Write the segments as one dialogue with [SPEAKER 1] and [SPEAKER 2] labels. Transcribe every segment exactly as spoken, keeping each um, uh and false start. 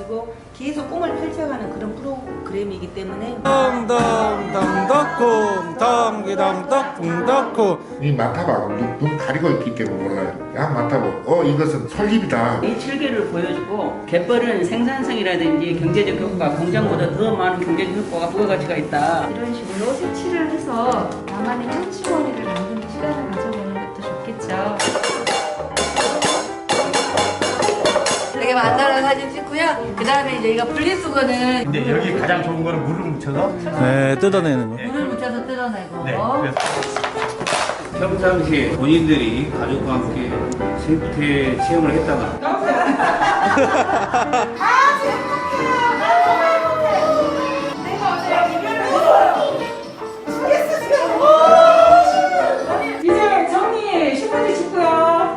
[SPEAKER 1] 가지고 계속 꿈을 펼쳐가는 그런 프로그램이기 때문에
[SPEAKER 2] 덩덩덩덩쿵 덩기덩덩쿵덩쿵
[SPEAKER 3] 이 맡아봐. 눈, 눈 가리고 있기 때문에 몰라요. 야 맡아봐. 어 이것은 솔잎이다.
[SPEAKER 4] 이 칠개를 보여주고 갯벌은 생산성이라든지 경제적 효과, 공장보다 더 많은 경제적 효과가 부가가치가 있다.
[SPEAKER 5] 이런 식으로 색칠을 해서 나만의 현지머리를 만드는 시간을 가져보는 것도 좋겠죠.
[SPEAKER 6] 이렇게 만들어서 사진 찍고요. 그 다음에 이제 이거 분리수거는
[SPEAKER 7] 근데 여기 가장 좋은 거는 물을 묻혀서
[SPEAKER 2] 네 뜯어내는 거.
[SPEAKER 6] 물을 묻혀서 뜯어내고
[SPEAKER 7] 네, 그래서
[SPEAKER 8] 평상시에 본인들이 가족과 함께 생태 체험을 했다가
[SPEAKER 1] 이제 정리 십 분째 찍고요.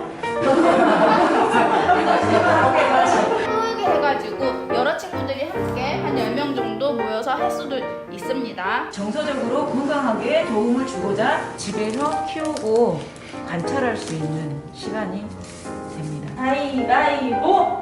[SPEAKER 9] 크게 해가지고 여러 친구들이 함께 한 열 명 정도 모여서 할 수도 있습니다.
[SPEAKER 1] 정서적으로 건강하게 도움을 주고자 집에서 키우고 관찰할 수 있는 시간이 됩니다. 가위바위보!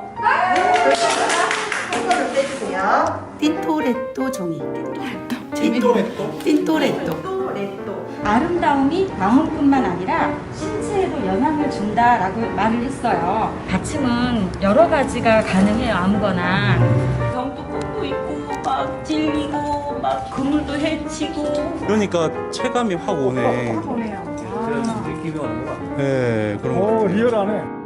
[SPEAKER 6] 손을 떼주세요. 틴토레토 종이. 틴토레토? 틴토레토.
[SPEAKER 5] 아름다움이 마음뿐만 아니라 신체에도 영향을 준다라고 말을 했어요. 받침은 여러 가지가 가능해요. 아무거나.
[SPEAKER 1] 병도 콩도 있고 막 질리고 막 그물도 해치고
[SPEAKER 2] 그러니까 체감이 확 오네.
[SPEAKER 5] 보네요.
[SPEAKER 8] 느낌이 오는 거 같아요.
[SPEAKER 2] 네 그런 거.
[SPEAKER 7] 오 리얼하네.